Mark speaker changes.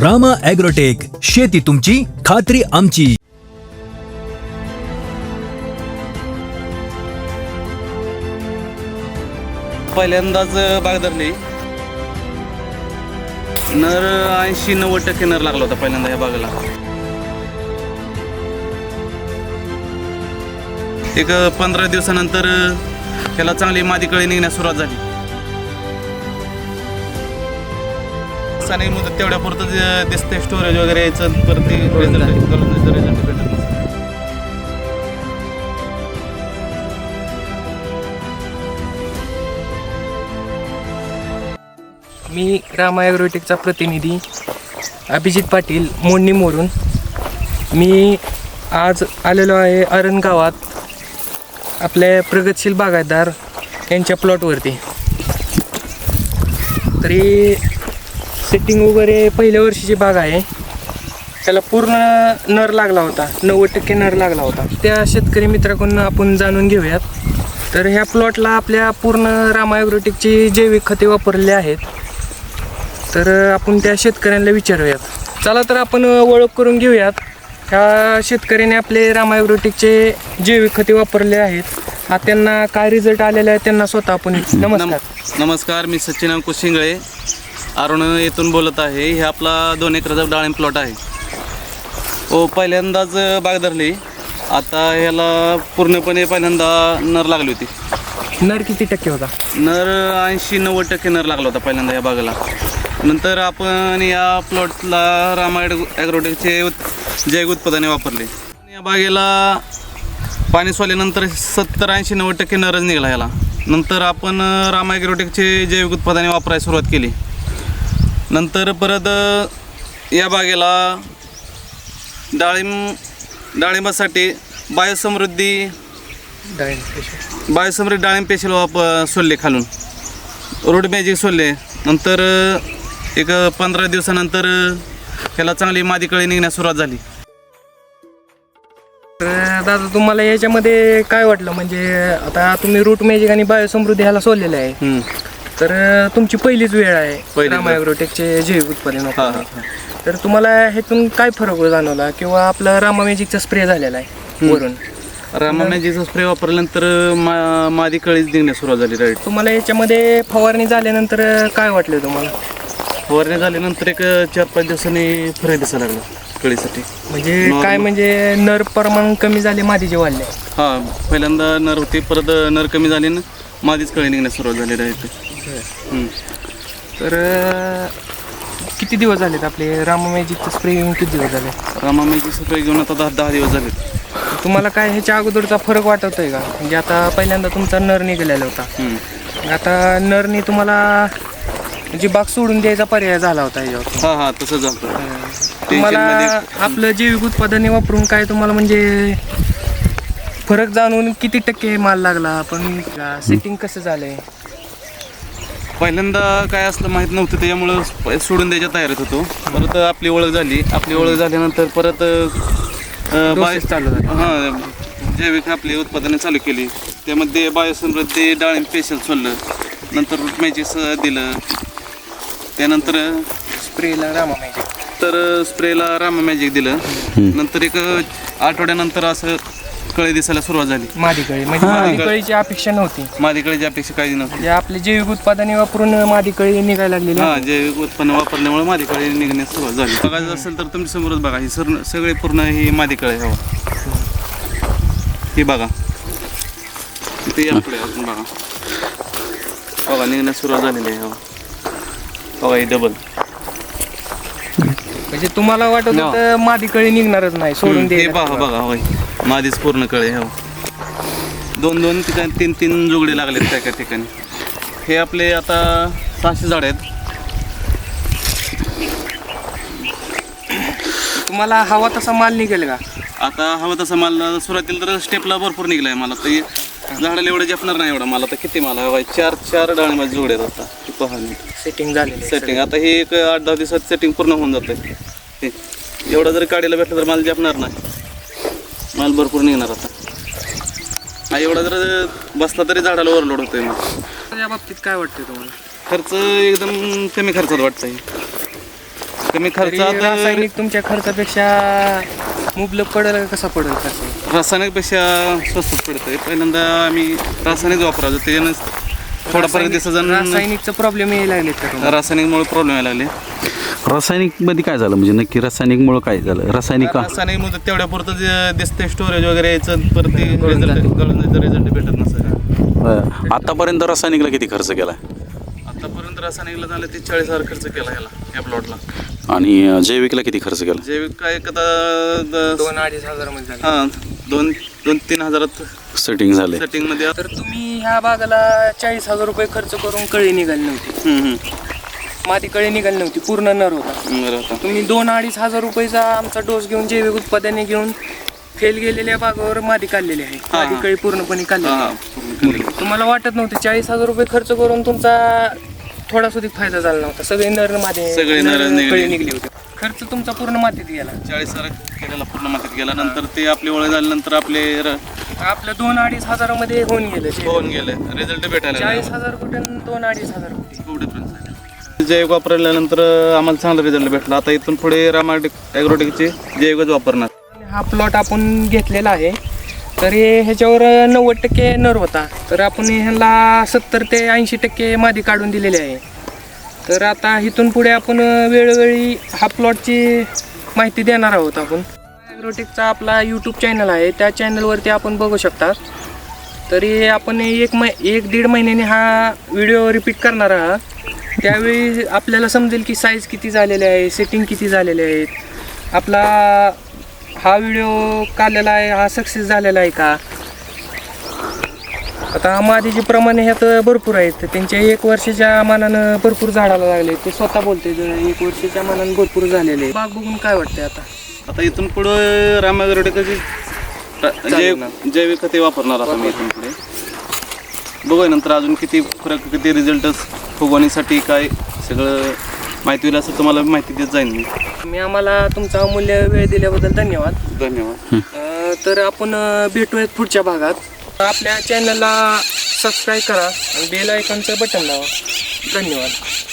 Speaker 1: Rama agrotech, शेती तुमची, खात्री आमची.
Speaker 2: पहिल्यांदाच बाग धरली. नर 80-90% नर लागला होता पहिल्यांदा या बागेला. एक 15 दिवसानंतर त्याला चांगली मादी कळी निघण्यास सुरुवात झाली. आणि मुदत तेवढ्या पुरतं दिसते स्टोरेज वगैरे यायचं, परत ते रिझल्ट भेटत नाही.
Speaker 3: मी रामा ॲग्रोटेकचा प्रतिनिधी अभिजित पाटील मोडणी मोडून. मी आज आलेलो आहे अरण गावात आपल्या प्रगतशील बागायतदार यांच्या प्लॉटवरती. तरी सेटिंग वगैरे पहिल्या वर्षीची बाग आहे. त्याला पूर्ण नर लागला होता, 90% नर लागला होता. त्या शेतकरी मित्राकडून आपण जाणून घेऊयात. तर ह्या प्लॉटला आपल्या पूर्ण रामा ॲग्रोटेकची जैविक खते वापरलेली आहेत. तर आपण त्या शेतकऱ्यांना विचारूयात. चला तर आपण ओळख करून घेऊयात. ह्या शेतकऱ्याने आपले रामा ॲग्रोटेकचे जैविक खते वापरले आहेत. हा त्यांना काय रिझल्ट आलेला आहे त्यांना स्वतः आपण
Speaker 2: नमस्कार, मी सचिन अंकुश शिंगळे अरुण येथून बोलत आहे. हे आपला 2 एकराचा डाळिंब प्लॉट आहे. पहिल्यांदाच बाग धरली. आता ह्याला पूर्णपणे पहिल्यांदा नर लागली होती.
Speaker 3: नर किती टक्के होता?
Speaker 2: नर 80-90% नर लागला होता पहिल्यांदा या बागेला. नंतर आपण या प्लॉटला रामा ॲग्रोटेकचे जैविक उत्पादने वापरले. या बागेला पाणी सोडल्यानंतर 70-80-90% नरच निघाला ह्याला. नंतर आपण रामा ॲग्रोटेकचे जैविक उत्पादने वापरायला सुरुवात केली. नंतर परत या बागेला डाळिंबासाठी बायोसमृद्धी डाळिंब पेशल सोडले खालून, रूट मॅजिक सोडले. नंतर एक 15 दिवसानंतर ह्याला चांगली मादी कळी निघण्यास सुरुवात झाली.
Speaker 3: तर दादा तुम्हाला याच्यामध्ये काय वाटलं? म्हणजे आता तुम्ही रूट मॅजिक आणि बायोसमृद्धी ह्याला सोडलेलं आहे. तर तुमची पहिलीच वेळ आहे रामा ॲग्रोटेकचे जैविक उत्पादन वापरण्याची. तर तुम्हाला ह्यातून काय फरक जाणवला? किंवा आपला रामा मॅजिकचा स्प्रे झालेला आहे वरून,
Speaker 2: रामा मॅजिकचा स्प्रे वापरल्यानंतर मादी कळीच निघण्यास सुरुवात झाली. राईट.
Speaker 3: तुम्हाला याच्यामध्ये फवारणी झाल्यानंतर काय वाटलं तुम्हाला?
Speaker 2: फवारणी झाल्यानंतर एक 4-5 दिवसांनी फरक दिसायला लागला कळीसाठी.
Speaker 3: म्हणजे काय, म्हणजे नर प्रमाण कमी झाले, मादीचे वाढले?
Speaker 2: हां, पहिल्यांदा नर होते, परत नर कमी झाले ना मादीच कळी निघण्यास सुरुवात झाली. राईट.
Speaker 3: तर किती दिवस झालेत आपले रामा मॅजिकचा स्प्रे घेऊन? किती दिवस झाले
Speaker 2: रामा मॅजिक स्प्रे घेऊन? आता 10 दिवस झाले.
Speaker 3: तुम्हाला काय ह्याच्या अगोदरचा फरक वाटतोय का? म्हणजे आता पहिल्यांदा तुमचा नर निघालेला होता, आता नरनी तुम्हाला म्हणजे बाग सोडून द्यायचा पर्याय झाला होता ह्याच्यावर?
Speaker 2: हां, तसं झालं.
Speaker 3: तुम्हाला आपलं जैविक उत्पादने वापरून काय तुम्हाला म्हणजे फरक जाणून किती टक्के माल लागला? पण सेटिंग कसं झालंय?
Speaker 2: पहिल्यांदा काय असलं माहीत नव्हतं, त्याच्यामुळं सोडून द्यायच्या तयारीत होतो. परत आपली ओळख झाली. आपली ओळख झाल्यानंतर परत
Speaker 3: चालू झालं.
Speaker 2: हां, जैविक आपली उत्पादने चालू केली. त्यामध्ये बायोसमृद्धी डाळिंब पेशल सोडलं, नंतर रूट मॅजिक दिलं, त्यानंतर
Speaker 3: स्प्रेला
Speaker 2: रामा मॅजिक दिलं. नंतर एक आठवड्यानंतर असं कळी दिसायला सुरुवात झाली.
Speaker 3: मादी कळी म्हणजे मादी कळीची अपेक्षा नव्हती.
Speaker 2: मादी कळीची अपेक्षा काही नव्हती.
Speaker 3: आपले जैविक उत्पादने वापरून मादी कळी निघायला लागलेली.
Speaker 2: हां, जैविक उत्पन्न वापरल्यामुळे मादी कळी निघण्यास सुरुवात झाली. बघायचं असेल तर तुमच्या समोरच बघा, ही सगळे पूर्ण ही मादी कळी हवा. ही बघा, इथे यापुढे अजून बघा निघण्यास सुरुवात झालेली आहे. बघा ही डबल.
Speaker 3: म्हणजे तुम्हाला वाटत होतं मादी कळी निघणारच नाही, सोडून दे.
Speaker 2: बघा होय, मादीच पूर्ण कळे. हो, 2-2 ठिकाणी 3-3 जोगडे लागलेत त्या ठिकाणी. हे आपले आता 600 झाड आहेत.
Speaker 3: तुम्हाला हवा तसा माल निघेल का?
Speaker 2: आता हवा तसा माल सुरुवातीला तर स्टेपला भरपूर निघलाय मला. तर झाडाला एवढं जपणार नाही एवढा मला. तर किती मला हवा? 4 डाळिंबाचे जोडे आहेत आता. पहा
Speaker 3: सेटिंग झालेली.
Speaker 2: सेटिंग आता हे एक 8-10 दिवसात सेटिंग पूर्ण होऊन जातं. एवढं जर काढायला भेटलं तर मला जपणार नाही, माल भरपूर निघणार आता. हा एवढा जर बसला तरी झाडाला ओव्हरलोड होतोय. मग
Speaker 3: या बाबतीत काय वाटतंय तुम्हाला?
Speaker 2: खर्च एकदम कमी खर्चात वाटतंय. कमी
Speaker 3: तरी
Speaker 2: खर्चात
Speaker 3: रासायनिक तुमच्या खर्चापेक्षा मुबलक पडेल का कसा पडेल खर्च?
Speaker 2: रासायनिकपेक्षा स्वस्त पडतंय. पहिल्यांदा आम्ही रासायनिक वापरायचो, त्याच्यानं थोडाफार दिवसाजण
Speaker 3: रासायनिकचा प्रॉब्लेम यायला लागले का तुम्हाला?
Speaker 2: रासायनिकमुळे प्रॉब्लेम यायला लागले.
Speaker 4: रासायनिक मध्ये काय झालं म्हणजे नक्की रासायनिकमुळं काय झालं? रासायनिक
Speaker 2: रासायनिक तेवढ्या पुरतं जे दिसतंय स्टोरेज वगैरे यायचं परत रिझल्ट भेटत नसतं.
Speaker 4: आतापर्यंत रासायनिकला किती खर्च केला
Speaker 2: आतापर्यंत रासायनिकला झालं ते 40,000 खर्च केला याला या प्लॉटला.
Speaker 4: आणि जैविकला किती खर्च केला?
Speaker 2: जैविक काय कदा
Speaker 3: 2-2.5 हजारामध्ये झालं.
Speaker 2: हां 2-3 हजारात
Speaker 4: सेटिंग झाले.
Speaker 2: सेटिंग मध्ये.
Speaker 3: तर तुम्ही ह्या बागाला 40,000 रुपये खर्च करून कळी निघाली नव्हती, माती कळी निघाली नव्हती, पूर्ण नर होता.
Speaker 2: बरोबर.
Speaker 3: तुम्ही 2-2.5 हजार रुपयाचा आमचा डोस घेऊन जैविक उत्पादने घेऊन फेल गेलेल्या बागावर माती काढलेली आहे. माती कळी पूर्णपणे काढलेली आहे. तुम्हाला वाटत नव्हते 40,000 रुपये खर्च करून तुमचा थोडा सुद्धा फायदा झाला नव्हता. सगळे नर माती
Speaker 2: सगळे नर
Speaker 3: कळी निघली होती. खर्च तुमचा पूर्ण मातीत गेला.
Speaker 2: 40,000 केलेला पूर्ण मातीत गेला. नंतर ते आपली ओळख झाल्यानंतर आपले
Speaker 3: आपलं 2-2.5 हजारामध्ये होऊन गेलं.
Speaker 2: होऊन गेले, रिझल्ट भेटायला
Speaker 3: 40,000 कुठे 2-2.5 हजार कुठे.
Speaker 2: खूप डिफरन्स आहे. जैविक वापरल्यानंतर आम्हाला चांगला रिझल्ट भेटला. आता इथून पुढे रामा ॲग्रोटेकचे जैविकच वापरणार.
Speaker 3: हा प्लॉट आपण घेतलेला आहे, तर ह्याच्यावर 90% नर होता, तर आपण ह्याला 70 ते 80% मादी काढून दिलेली आहे. तर आता इथून पुढे आपण वेळोवेळी हा प्लॉटची माहिती देणार आहोत. आपण ॲग्रोटेकचा आपला यूट्यूब चॅनल आहे, त्या चॅनलवरती आपण बघू शकता. तरी आपण 1-1.5 महिन्याने हा व्हिडिओ रिपीट करणार आहात. त्यावेळी आपल्याला समजेल की साईज किती झालेले आहे, सेटिंग किती झालेले आहेत, आपला हा व्हिडिओ काढलेला आहे हा सक्सेस झालेला आहे का. आता मादीचे प्रमाणे ह्यात भरपूर आहेत. त्यांच्या 1 वर्षाच्या मानानं भरपूर झाडाला लागले, ते स्वतः बोलते 1 वर्षाच्या मानानं भरपूर झालेले. बाग बघून काय वाटतंय
Speaker 2: आता इथून पुढे रामा ॲग्रोटेकची जैविक खते वापरणार आता मी इथून पुढे. बघूया नंतर अजून किती फरक, किती रिझल्ट फुगवणीसाठी काय सगळं माहिती होईल असं तुम्हाला माहिती देत जाईन मी.
Speaker 3: मी आम्हाला तुमचा अमूल्य वेळ दिल्याबद्दल धन्यवाद.
Speaker 2: धन्यवाद.
Speaker 3: तर आपण भेटूयात पुढच्या भागात. आपल्या चॅनलला सबस्क्राईब करा आणि बेल आयकॉनचं बटन दाबा. धन्यवाद.